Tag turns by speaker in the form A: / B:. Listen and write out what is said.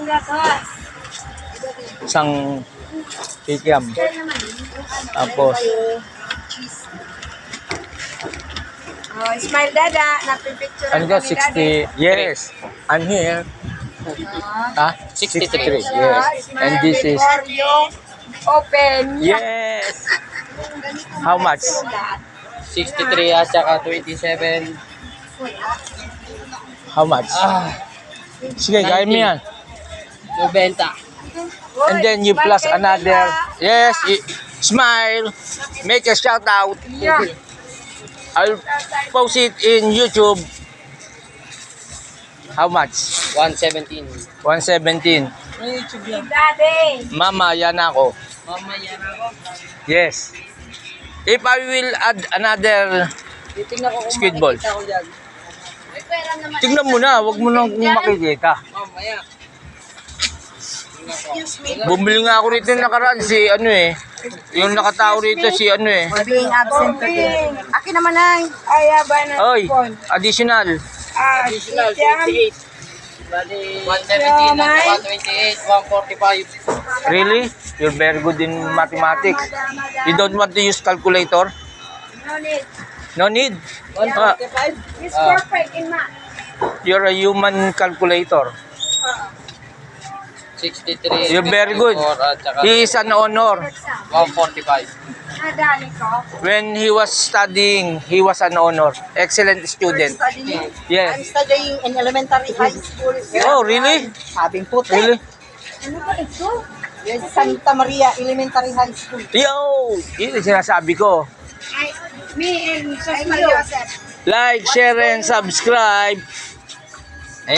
A: Isang kikiam. Tapos,
B: Oh, smile dada. Napipicture
A: ano ka, 60? Yes, I'm here. 63. Yes. And this is,
B: open.
A: yes. How much?
C: 63 at saka 27.
A: How much? Sige, kaya mo yan.
C: 90.
A: And then you plus another. Yes, smile. Make a shout out.
B: Yeah.
A: I'll post it in YouTube. How much?
C: 117.
A: 117.
B: Daddy.
A: Mama, yan ako.
C: Mamaya na ako.
A: Yes. If I will add another
C: Titingnan ko kung
A: squid balls.
C: makikita ko dyan.
A: Tignan mo na, wag mo nang makikita.
C: Mamaya.
A: Bumili nga ako rito yung nakaraan si ano eh. Yung nakatao rito si ano eh.
B: Being absent today. Akin naman ay. Ay, ba na.
A: Oy, additional.
C: Additional 28. Bali, 117 at saka 28, 145.
A: Really? You're very good in mathematics. You don't want to use calculator?
B: No need.
A: No need.
C: 145?
B: It's perfect in math.
A: You're a human calculator.
C: 63.
A: You're very good.
C: At saka
A: He is an honor.
C: 145.
B: Nadali ko.
A: When he was studying, he was an honor. Excellent student.
D: I'm
A: Yes.
D: studying in elementary high school.
A: Oh, really?
D: Sabing puti.
A: Really?
B: Ano ba ito?
D: Yes, Santa Maria Elementary High School.
A: Yo! Yun yung sinasabi ko.
B: Me and Sos Joseph.
A: Like, share, and subscribe.